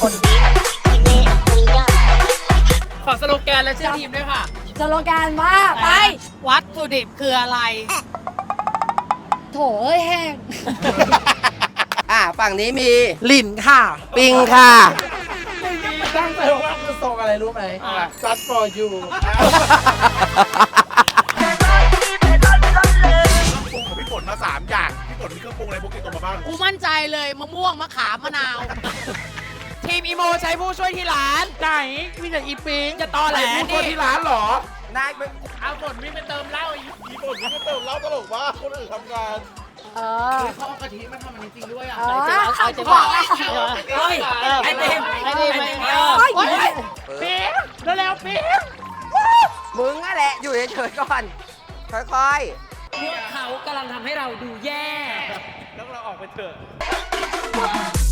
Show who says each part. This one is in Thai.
Speaker 1: ขอสโลแกนและชื่อทีมด้วยค่ะ
Speaker 2: สโลแกนว่าไป
Speaker 1: วัตถุดิบคืออะไร
Speaker 2: โถเอ้ยแห้ง
Speaker 3: ฝั่งนี้มี
Speaker 4: หลินค่ะ
Speaker 3: ปิงค่ะ
Speaker 4: ตั้งใจว่าคือทรงอะไรรู้ไหม Just for you
Speaker 5: ปรุงของพี่ฝนมา3อย่างพี่ฝนมีเครื่องปรุงอะไรพวกนี้ตัวมาบ้าง
Speaker 1: กูมั่นใจเลยมะม่วงมะขามมะนาว ทีมอีโมใช้ผู้ช่วยที่ร้าน
Speaker 4: ไหนมีแต่อีปิง
Speaker 1: จะตอแหล
Speaker 4: พูด
Speaker 1: นี่
Speaker 4: ที่ร้านเหรอ
Speaker 3: นายเป็น
Speaker 1: เอาฝนวิ่งไปเติมเหล้าอีก
Speaker 5: พี่ฝนนี่ก็เติมเหล้าตลกว่าคนอื่นทำงาน
Speaker 2: เออ
Speaker 1: เขาเอากะทิมาทำอันนี้จริงด้วยอ่ะ
Speaker 2: เออ
Speaker 1: เอาจะบอกเฮ้ยไอติมไอติมไอติม
Speaker 4: ปิงเร็วๆปิง
Speaker 3: มึงอะแหละ อยู่เฉยๆก่อน ค่อย
Speaker 1: พวกเขากำลังทำให้เราดูแย่
Speaker 5: แล้วเราออกไปเถอะ